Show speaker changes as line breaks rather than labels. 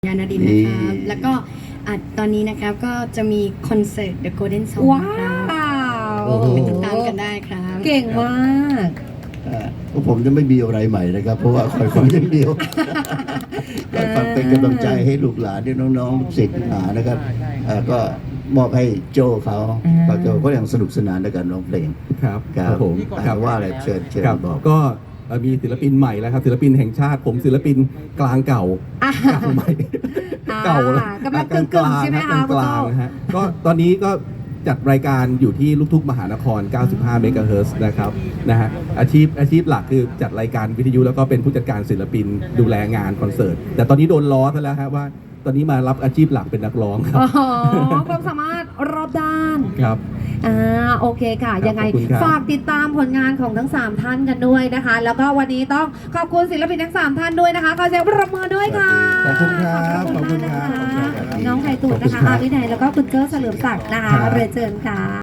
ยานาดินนะครับแล้วก็ตอนนี้นะครับก็จะมีคอนเสิร์ต The Golden Song
ว้า
ครับ
ว
ไปติดตามกันได้ครับ
เก่งมาก
พวกผมจะไม่มีอะไรใหม่นะครับ เพราะว่าคอยฟังอย่างเดียวคอยฟังเป็นกำลังใจให้ลูกหลานที่น้องๆศิษย์หานะครับก็มอบให้โจเขาโจก็ยังสนุกสนานในการร้องเพลง
ครับ
ครับ
ผม
ครับว่าอะไรเชิญ
ครับ
บอก
ก็มีศิลปินใหม่แล้วครับศิลปินแห่งชาติผมศิลปินกลางเก่า
อ่ะ
กลางใหม่เก่าแล้ว
กำลังกึ่งๆใช่ไหมคะ
กลาง
คุณโจ้
ๆนะฮะก็ตอนนี้ก็จัดรายการอยู่ที่ลูกทุ่งมหานคร 95 เมกะเฮิรตซ์นะครับนะฮะอาชีพหลักคือจัดรายการวิทยุแล้วก็เป็นผู้จัดการศิลปินดูแลงานคอนเสิร์ตแต่ตอนนี้โดนล้อซะแล้วฮะว่าตอนนี้มารับอาชีพหลักเป็นนักร้องครับ
อ๋อความสามารถรอบด้าน
ครับ
โอเคค่ะ ยังไง
ขอบคุณครับ
ฝากติดตามผลงานของทั้ง 3 ท่านกันด้วยนะคะ แล้วก็วันนี้ต้องขอบคุณศิลปินทั้ง 3 ท่านด้วยนะคะขอเสียงปรบมือด้วยค่ะ
ขอบคุณครับขอบคุณครับ
น้องไข่ตุ๋นนะคะอาวินัยแล้วก็คุณเจ้าเฉลิมศักดิ์นะคะเรียนเชิญค่ะ